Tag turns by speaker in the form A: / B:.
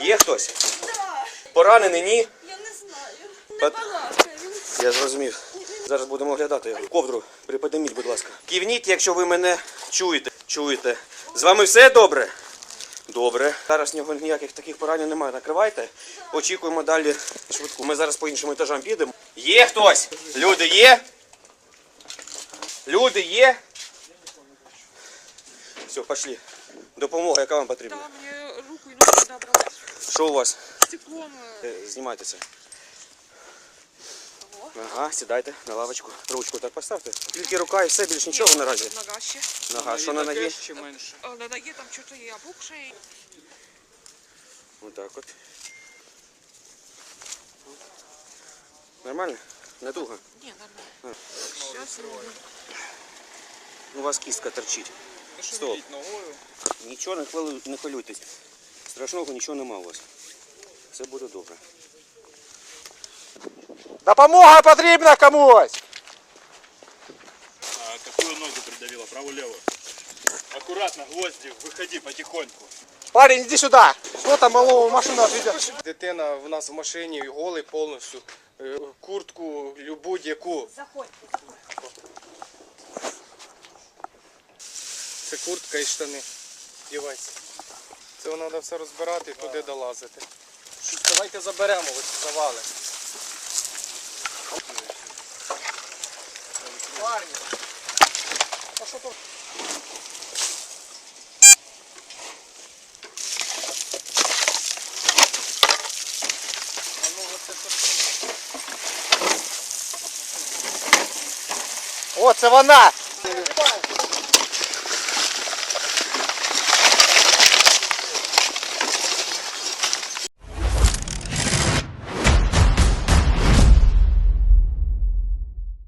A: Є хтось?
B: Да.
A: Поранений, ні?
B: Я не знаю. Не балакає.
A: Я зрозумів. Зараз будемо оглядати його. Ковдру приподніміть, будь ласка. Кивніть, якщо ви мене чуєте. З вами все добре? Добре. Зараз в нього ніяких таких поранень немає. Накривайте. Очікуємо далі швидку. Ми зараз по іншим етажам підемо. Є хтось? Люди є? Люди є? Все, пішли. Допомога, яка вам потрібна?
B: Да, мне руку и ногу подобрала.
A: Що у вас?
B: Стеклом.
A: Знімайте це. Ага, сідайте на лавочку. Ручку так поставте. Тільки рука і все, більш нічого наразі.
B: Нога ще.
A: Нога, що на ногі?
C: Чи менше?
B: На ноге там что-то и опухшее.
A: Отак от. Нормально? Не туго?
B: Не, нормально. Сейчас
A: У вас кістка торчить. Стоп.
C: Ногою.
A: Нічого не хвилюйтесь. Страшного нічого нема у вас. Все буде добре.
D: Допомога потрібна комусь!
C: А какую ногу придавила? Правую-левую? Аккуратно, гвозди, выходи потихоньку.
D: Парень, іди сюди! Що там малого в машину відведе? Дитина в нас в машині, голий повністю. Куртку, будь-яку.
B: заходьте.
D: Це куртка і штани. Дівайся. Це треба все розбирати і туди долазити. Давайте заберемо ось завали. Парні. А що тут? О, це вона!